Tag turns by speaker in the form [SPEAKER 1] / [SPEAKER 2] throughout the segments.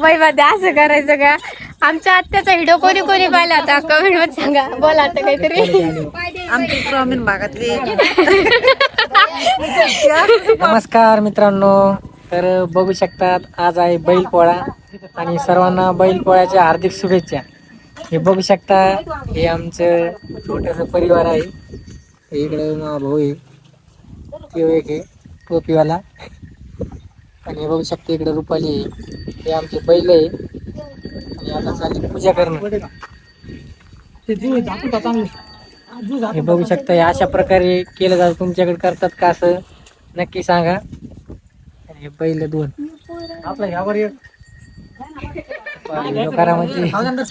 [SPEAKER 1] मध्ये असं करायचं का? आमच्या आत्याचा व्हिडिओ कोणी कोणी पाहिला होता कमेंट मध्ये सांगा. बोला आता काहीतरी.
[SPEAKER 2] आमच्या ग्रामीण भागातले
[SPEAKER 3] नमस्कार मित्रांनो, तर बघू शकतात आज आहे बैलपोळा आणि सर्वांना बैलपोळ्याच्या हार्दिक शुभेच्छा. हे बघू शकता, हे आमचं छोटंसं परिवार आहे. इकडे माझा भाऊ आहे, तो एक आहे टोपीवाला, आणि हे बघू शकता इकडे रुपाली आहे. हे आमचे बैल आहे आणि आता चालली पूजा करणं. हे बघू शकता, हे अशा प्रकारे केलं जातं. तुमच्याकडे करतात का असं नक्की सांगा. आणि हे बैल दोन आपला ह्यावर एक करा म्हणजे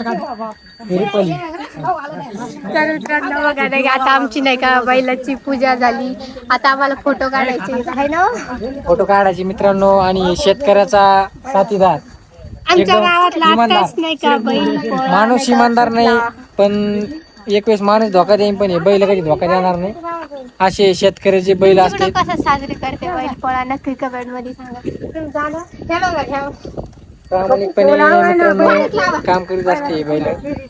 [SPEAKER 1] तर मित्रांनो बघा नाही, आता आमची नाही का बैलाची पूजा झाली. आता आम्हाला फोटो काढायचे आहे ना,
[SPEAKER 3] फोटो काढायचे मित्रांनो. आणि शेतकऱ्याचा साथीदार
[SPEAKER 1] आमच्या गावातला आताच नाही का बैल
[SPEAKER 3] माणूस इमानदार नाही, पण एक वेळेस माणूस धोका देईन, पण हे बैल कधी धोका देणार नाही. असे शेतकऱ्याचे बैल असते.
[SPEAKER 1] कसं साजरी करते बैल पोळा नक्की कमेंट मध्ये सांगा. हे बघा घ्या.
[SPEAKER 3] प्रामाणिकपणे मित्रांनो काम करीत असते हे बैल.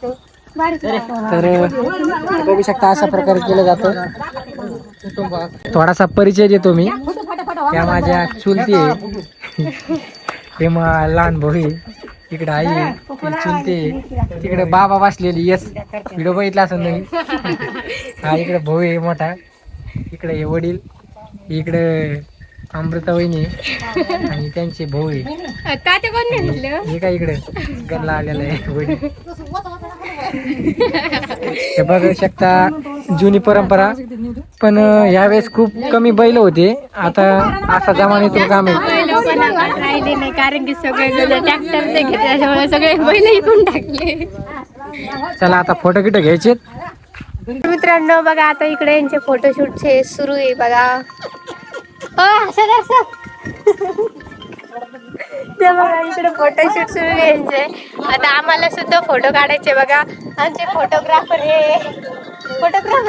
[SPEAKER 3] तर बघू शकता अशा प्रकारे केलं जातं. थोडासा परिचय देतो मी. त्या माझ्या चुलती आहे, हे मग लहान भाऊ आहे. इकडे आई आहे, चुलती आहे. तिकडे बाबा बसलेली, येस व्हिडिओ बघितला असं नाही. हा इकडे भाऊ आहे मोठा, इकडे हे वडील, इकडे अमृता वहिनी आणि त्यांचे भाऊ आहे. हे काय इकडे गल्ला आलेला आहे वडील. हे बघू शकता जुनी परंपरा, पण यावेळेस खूप कमी बैल होते. आता असा जमान्यातून काम आहे.
[SPEAKER 1] राहिले नाही कारण की सगळे ट्रॅक्टर ते घेतले, त्याच्यामुळे सगळे बैल इकून टाकले.
[SPEAKER 3] चला आता फोटो किटो घ्यायचे
[SPEAKER 1] मित्रांनो. बघा आता इकडे यांचे फोटोशूटचे सुरू आहे बघा. ते बघा इकडे फोटोशूट सुरू आहे यांचे. आता आम्हाला सुद्धा फोटो काढायचे बघा. आमचे फोटोग्राफर हे फोटोग्राफर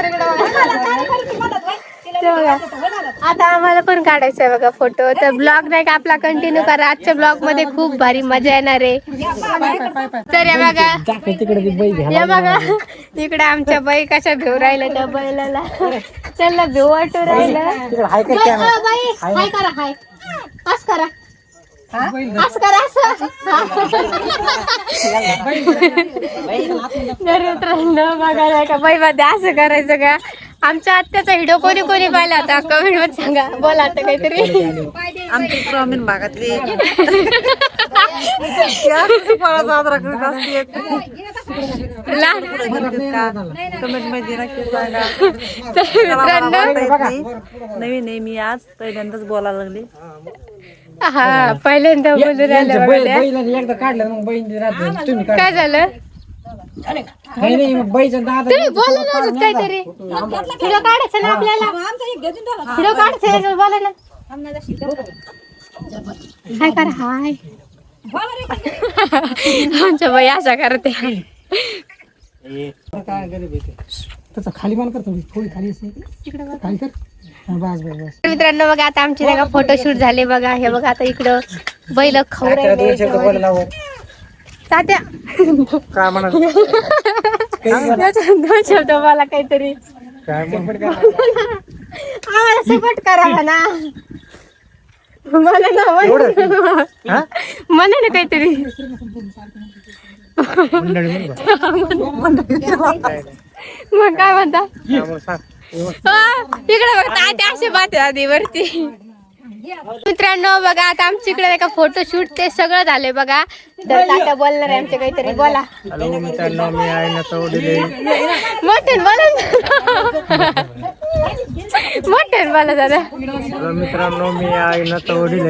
[SPEAKER 1] आता आम्हाला पण काढायचं आहे बघा फोटो. तर ब्लॉग नाही का आपला कंटिन्यू करा. आजच्या ब्लॉग मध्ये खूप भारी मजा येणार आहे. तर हे बघा, हे बघा इकडे आमच्या बाई कशा भेऊ राहिल्या त्या बैलाला. त्यांना भेऊ वाटू राहिलं. हाय करा, हाय असं करा, असं करा, असं. बघा नाही का बाई मध्ये असं करायचं का? आमच्या आत्याचा व्हिडिओ कोणी कोणी पाहिला होता कमेंट मध्ये सांगा. बोला आता काहीतरी.
[SPEAKER 2] आमच्या ग्रामीण भागातले कमेंट मध्ये नक्की सांगा. नवीन आहे मी, आज पहिल्यांदाच बोलायला लागले.
[SPEAKER 1] हा पहिल्यांदा बोलून राहिलं.
[SPEAKER 3] एकदा काढलं मग बहीण
[SPEAKER 1] काय झालं?
[SPEAKER 3] नाही बाईचा दादा
[SPEAKER 1] तुम्ही बोला ना अजून काहीतरी. व्हिडिओ काढायचं ना आपल्याला, व्हिडिओ काढायचं बोला ना. हाय करा, हाय. आमच्या बाई अशा करते.
[SPEAKER 3] त्याचा खाली मान करतो, थोडी खाली खाली कर. बस बस बस.
[SPEAKER 1] मित्रांनो बघा आता आमचे नाही का फोटोशूट झाले बघा. हे बघा आता इकडं बैल खाऊ राहिले. तात्या
[SPEAKER 3] काय म्हणा
[SPEAKER 1] दोन शब्द मला काहीतरी आम्हाला सपोर्ट करा म्हणा. मला ना म्हणा ना काहीतरी. मग काय म्हणता इकडे बघा तात्या असे बाते आधी वरती. मित्रांनो बघा आता आमच्याकडे एका फोटोशूट ते सगळं झालंय बघा. तर तात्या बोलणार आहे आमच्या काहीतरी. बोला.
[SPEAKER 3] हॅलो मित्रांनो, मी आहे ना चौडीले.
[SPEAKER 1] मोठ्यान बोला, मोठ्यान बोला जरा.
[SPEAKER 3] हॅलो मित्रांनो, मी आहे ना चौडीले.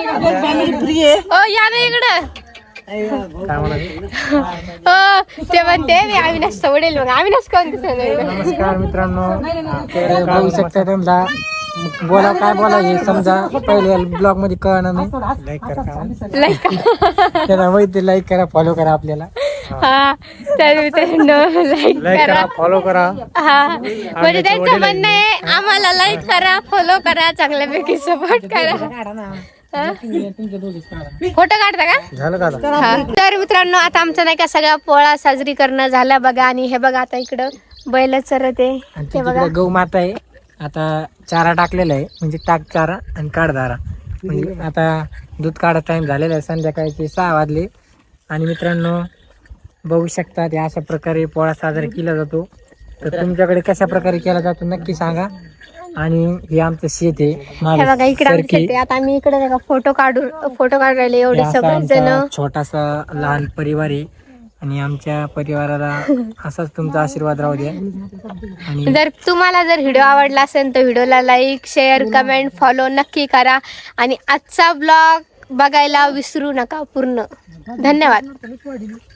[SPEAKER 1] ओ या ना इकडं.
[SPEAKER 3] काय म्हणाले?
[SPEAKER 1] हो ते म्हणते मी अविनाश सोडेल. मग अविनाश कोण दिसत?
[SPEAKER 3] नमस्कार मित्रांनो, तर बघू शकता तुमचा बोला काय बोला हे समजा पहिल्या ब्लॉग मध्ये कळणार नाही. लाईक करा,
[SPEAKER 1] लाईक
[SPEAKER 3] त्याला माहिती लाईक करा, फॉलो करा आपल्याला.
[SPEAKER 1] हा तर मित्रांनो लाईक करा,
[SPEAKER 3] फॉलो करा.
[SPEAKER 1] हा म्हणजे त्यांचं म्हणणं आहे आम्हाला लाईक करा, फॉलो करा, चांगल्यापैकी सपोर्ट करा. फोटो काढता का?
[SPEAKER 3] झालं का आता?
[SPEAKER 1] हा. तर मित्रांनो आता आमचा नाही का सगळा पोळा साजरी करणं झाला बघा. आणि हे बघा आता इकडं बैल चरत आहे
[SPEAKER 3] आणि
[SPEAKER 1] ते बघा.
[SPEAKER 3] तिकडे गौ माता आहे. आता चारा टाकलेला आहे, म्हणजे टाक चारा आणि काढदारा. म्हणजे आता दूध काढा टाइम झालेला आहे, संध्याकाळचे 6 वाजले. आणि मित्रांनो बघू शकता ते अशा प्रकारे पोळा साजरा केला जातो. तर तुमच्याकडे कशा प्रकारे केला जातो नक्की सांगा. आणि हे आमचं शेत आहे
[SPEAKER 1] हे बघा इकडे आमचं शेत आहे. आता आम्ही इकडे नाही का फोटो काढून राहिले एवढे सगळे जण.
[SPEAKER 3] छोटासा लहान परिवार आहे आणि आमच्या परिवाराला असाच तुमचा आशीर्वाद राहू द्या. आणि
[SPEAKER 1] जर तुम्हाला जर व्हिडिओ आवडला असेल तर व्हिडिओला लाईक शेअर कमेंट फॉलो नक्की करा. आणि आजचा ब्लॉग बघायला विसरू नका पूर्ण. धन्यवाद.